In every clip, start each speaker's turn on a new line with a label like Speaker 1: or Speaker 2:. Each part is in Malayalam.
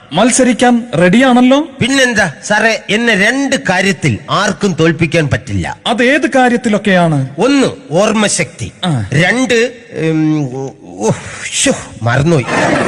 Speaker 1: മത്സരിക്കാൻ റെഡിയാണല്ലോ?
Speaker 2: പിന്നെന്താ സാറേ, എന്നെ 2 കാര്യത്തിൽ ആർക്കും തോൽപ്പിക്കാൻ പറ്റില്ല.
Speaker 1: അതേത് കാര്യത്തിലൊക്കെയാണ്?
Speaker 2: 1 ഓർമ്മശക്തി, 2 മറന്നുപോയി.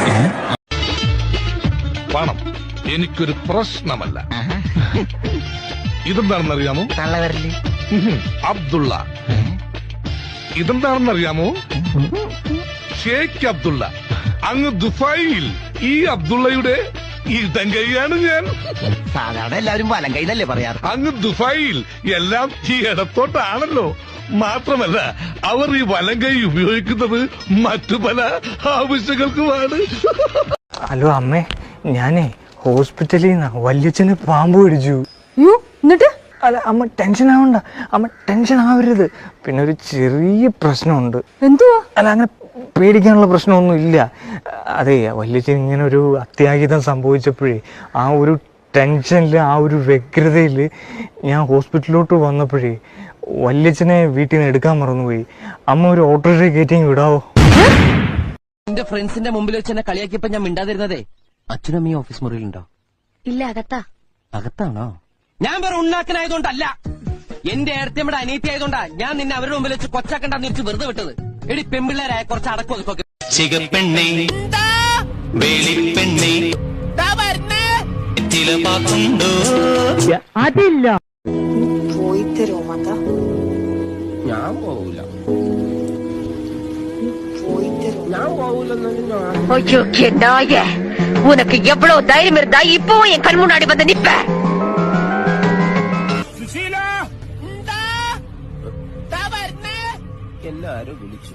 Speaker 3: പണം എനിക്കൊരു പ്രശ്നമല്ല. ഇതെന്താണെന്നറിയാമോ? അബ്ദുള്ള. ഇതെന്താണെന്നറിയാമോ? ഷേഖ് അബ്ദുള്ള. അങ്ങ് ദുബായിൽ ഈ അബ്ദുള്ളയുടെ ഇടങ്കൈയാണ് ഞാൻ.
Speaker 4: സാധാരണ എല്ലാവരും വലം കൈന്നല്ലേ പറയാറ്.
Speaker 3: അങ്ങ് ദുബായിൽ എല്ലാം ഈ ഇടത്തോട്ടാണല്ലോ. മാത്രമല്ല അവർ ഈ വലം കൈ ഉപയോഗിക്കുന്നത് മറ്റു പല ആവശ്യങ്ങൾക്കുമാണ്.
Speaker 5: ഹലോ അമ്മേ, ഞാനേ ഹോസ്പിറ്റലിൽ നിന്നാ. വല്യച്ഛന് പാമ്പ് പിടിച്ചു.
Speaker 6: എന്നിട്ട്?
Speaker 5: അല്ല അമ്മ ടെൻഷൻ ആവണ്ട, അമ്മ ടെൻഷൻ ആവരുത്. പിന്നെ ഒരു ചെറിയ പ്രശ്നമുണ്ട്.
Speaker 6: എന്തുവാ?
Speaker 5: അല്ല അങ്ങനെ പേടിക്കാനുള്ള പ്രശ്നമൊന്നും ഇല്ല. അതെ, വല്യച്ഛൻ ഇങ്ങനെ ഒരു അത്യാഹിതം സംഭവിച്ചപ്പോഴേ ആ ഒരു ടെൻഷനിൽ, ആ ഒരു വ്യഗ്രതയിൽ ഞാൻ ഹോസ്പിറ്റലിലോട്ട് വന്നപ്പോഴേ വല്യച്ഛനെ വീട്ടിൽ നിന്ന് എടുക്കാൻ മറന്നുപോയി. അമ്മ ഒരു ഓട്ടോറിക്ഷ കയറ്റി വിടാവോ?
Speaker 4: എന്റെ ഫ്രണ്ട്സിന്റെ മുമ്പിൽ വെച്ച് എന്നെ കളിയാക്കിയപ്പോ ഞാൻ മിണ്ടാതിരുന്നതേ. അച്ഛനും ഈ ഓഫീസ് മുറിയിലുണ്ടോ?
Speaker 6: ഇല്ല, അകത്താ.
Speaker 4: അകത്താണോ? ഞാൻ വേറെ ഉണ്ണാക്കനായതുകൊണ്ടല്ല, എന്റെ ഏടത്തിയമ്മയുടെ അനീതി ആയതുകൊണ്ടാ ഞാൻ നിന്നെ അവരുടെ മുമ്പിൽ വെച്ച് കൊച്ചാക്കണ്ടെന്ന് വെച്ച് വെറുതെ വിട്ടത്. എടി പെമ്പിള്ളേരായ കുറച്ച് അടക്കം ഒതുക്കൊക്കെ.
Speaker 5: അതില്ല.
Speaker 6: പോയി തരുമോ മാത?
Speaker 2: ഞാൻ പോവൂല.
Speaker 6: പോയി തരുമോ?
Speaker 2: ഞാൻ പോവൂലെന്നു.
Speaker 6: உனக்கு எவ்வளவு தைரியம் இருந்தா இப்போ என் கண் முன்னாடி வந்து நிப்ப?
Speaker 2: എല്ലാരും വിളിച്ചു.